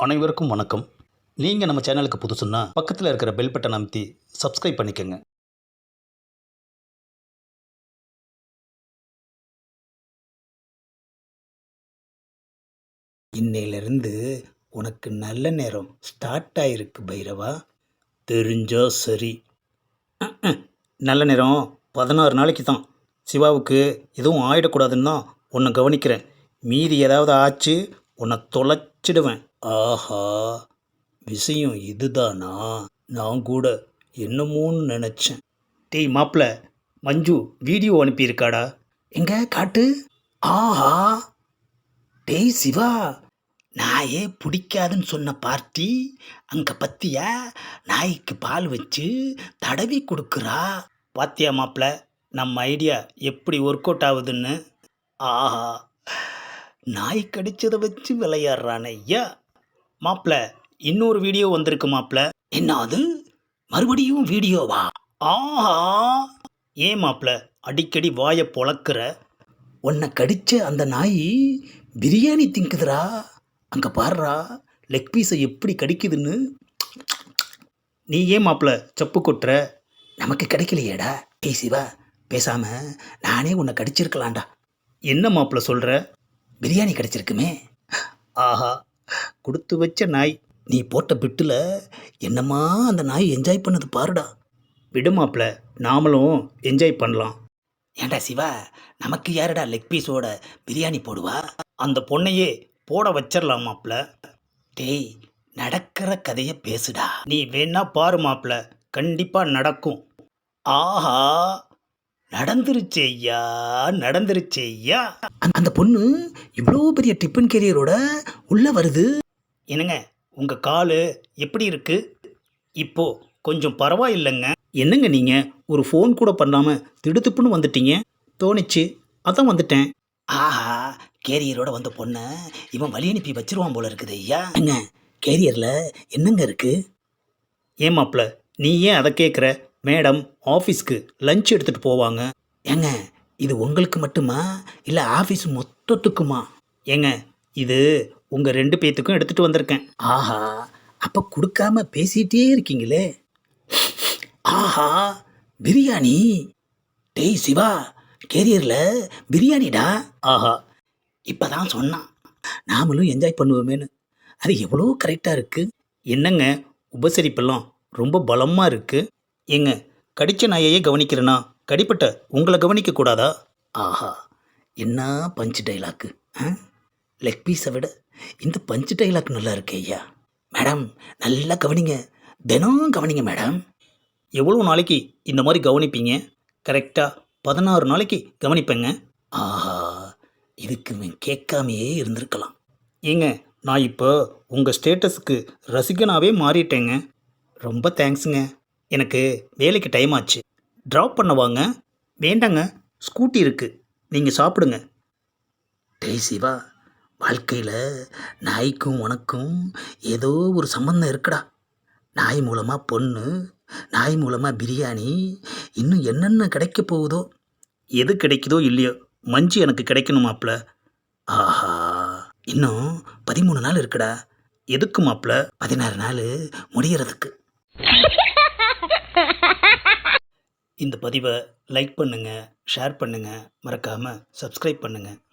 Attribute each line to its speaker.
Speaker 1: அனைவருக்கும் வணக்கம். நீங்கள் நம்ம சேனலுக்கு புதுசுன்னா பக்கத்தில் இருக்கிற பெல் பட்டன் அமைத்தி சப்ஸ்கிரைப் பண்ணிக்கோங்க. இன்னையிலிருந்து உனக்கு நல்ல நேரம் ஸ்டார்ட் ஆயிருக்கு பைரவா. தெரிஞ்சா சரி. நல்ல நேரம் 16 நாளைக்கு தான். சிவாவுக்கு எதுவும் ஆயிடக்கூடாதுன்னு தான் உன்னை கவனிக்கிறேன். மீதி ஏதாவது ஆச்சு உன்னை தொலைச்சிடுவேன். ஆஹா, விஷயம் இதுதானா? நான் கூட என்னமோன்னு நினச்சேன். டேய் மாப்பிள்ள, மஞ்சு வீடியோ அனுப்பியிருக்காடா. எங்க காட்டு. ஆஹா, டேய் சிவா, நாயே பிடிக்காதுன்னு சொன்ன பார்ட்டி அங்கே பத்தியா நாய்க்கு பால் வச்சு தடவி கொடுக்குறா. பாத்தியா மாப்பிள்ள, நம்ம ஐடியா எப்படி ஒர்க் அவுட் ஆகுதுன்னு. ஆஹா, நாய் கடிச்சதை வச்சு விளையாடுறான் ஐயா. மாப்பிள்ள, இன்னொரு வீடியோ வந்திருக்கு மாப்பிள்ள. என்ன அது? மறுபடியும் வீடியோவா? ஆஹா, ஏன் மாப்பிள்ள அடிக்கடி வாயை பொளக்குற? உன்னை கடிச்ச அந்த நாய் பிரியாணி திங்குதுரா. அங்கே பாடுறா லெக் பீஸை எப்படி கடிக்குதுன்னு. நீ ஏன் மாப்பிள்ள சப்பு கொட்டுற? நமக்கு கிடைக்கலையேடா. ஏய் சிவா, பேசாம நானே உன்னை கடிச்சிருக்கலாம்டா. என்ன மாப்பிள்ள சொல்கிற? பிரியாணி கிடைச்சிருக்குமே. ஆஹா, கொடுத்து வச்ச நாய். நீ போட்ட பிட்டில் என்னம்மா அந்த நாய் என்ஜாய் பண்ணது பாருடா. விடு மாப்பிள்ள, நாமளும் என்ஜாய் பண்ணலாம். ஏண்டா சிவா, நமக்கு யாருடா லெக் பீஸோட பிரியாணி போடுவா? அந்த பொண்ணையே போட வச்சிடலாம் மாப்பிள்ள. டேய், நடக்கிற கதையை பேசுடா. நீ வேணா பாரு மாப்பிள்ள, கண்டிப்பாக நடக்கும். ஆஹா, நடந்துருச்சு ஐயா, நடந்துருச்சு ஐயா. அந்த பொண்ணு இவ்வளோ பெரிய டிஃபன் கேரியரோட உள்ள வருது. என்னங்க, உங்கள் கால் எப்படி இருக்கு? இப்போ கொஞ்சம் பரவாயில்லைங்க. என்னங்க நீங்கள் ஒரு ஃபோன் கூட பண்ணாமல் திடுத்துப்புன்னு வந்துட்டீங்க? தோணிச்சு, அதான் வந்துட்டேன். ஆஹா, கேரியரோட வந்த பொண்ணை இவன் வழி அனுப்பி வச்சிருவான் போல இருக்குது ஐயா. என்ன கேரியரில் என்னங்க இருக்கு? ஏன் மாப்பிள்ள, நீ ஏன் அதை கேட்குற? மேடம் ஆஃபீஸ்க்கு லஞ்ச் எடுத்துகிட்டு போவாங்க. ஏங்க, இது உங்களுக்கு மட்டுமா இல்லை ஆஃபீஸ் மொத்தத்துக்குமா? ஏங்க, இது உங்கள் 2 பேத்துக்கும் எடுத்துகிட்டு வந்திருக்கேன். ஆஹா, அப்போ கொடுக்காம பேசிகிட்டே இருக்கீங்களே. ஆஹா, பிரியாணி. டேய் சிவா, கேரியரில் பிரியாணிடா. ஆஹா, இப்போ தான் சொன்னான் நாமளும் என்ஜாய் பண்ணுவோமேனு. அது எவ்வளோ கரெக்டாக இருக்குது. என்னங்க உபசரிப்பெல்லாம் ரொம்ப பலமாக இருக்குது. ஏங்க, கடிச்ச நாயையே கவனிக்கிறேன்னா கடிப்பட்ட உங்களை கவனிக்கக்கூடாதா? ஆஹா, என்ன பஞ்சு டைலாக்கு. லெக் பீஸை விட இந்த பஞ்சு டைலாக் நல்லா இருக்கு ஐயா. மேடம் நல்லா கவனிங்க, தினம் கவனிங்க மேடம். எவ்வளோ நாளைக்கு இந்த மாதிரி கவனிப்பீங்க? கரெக்டாக 16 நாளைக்கு கவனிப்பேங்க. ஆஹா, இதுக்கு கேட்காமையே இருந்திருக்கலாம். ஏங்க, நான் இப்போ உங்கள் ஸ்டேட்டஸுக்கு ரசிகனாகவே மாறிட்டேங்க. ரொம்ப தேங்க்ஸுங்க. எனக்கு வேலைக்கு டைம் ஆச்சு. ட்ராப் பண்ண வாங்க. வேண்டாங்க, ஸ்கூட்டி இருக்குது, நீங்கள் சாப்பிடுங்க. டேய் சிவா, வாழ்க்கையில் நாய்க்கும் உனக்கும் ஏதோ ஒரு சம்பந்தம் இருக்குடா. நாய் மூலமாக பொண்ணு, நாய் மூலமாக பிரியாணி, இன்னும் என்னென்ன கிடைக்க போகுதோ. எது கிடைக்குதோ இல்லையோ, மஞ்சு எனக்கு கிடைக்கணும் மாப்பிள்ள. ஆஹா, இன்னும் 13 நாள் இருக்குடா. எதுக்கு மாப்பிள்ள? 16 நாள் முடியறதுக்கு. இந்த பதிவை லைக் பண்ணுங்கள், ஷேர் பண்ணுங்கள், மறக்காமல் சப்ஸ்கிரைப் பண்ணுங்கள்.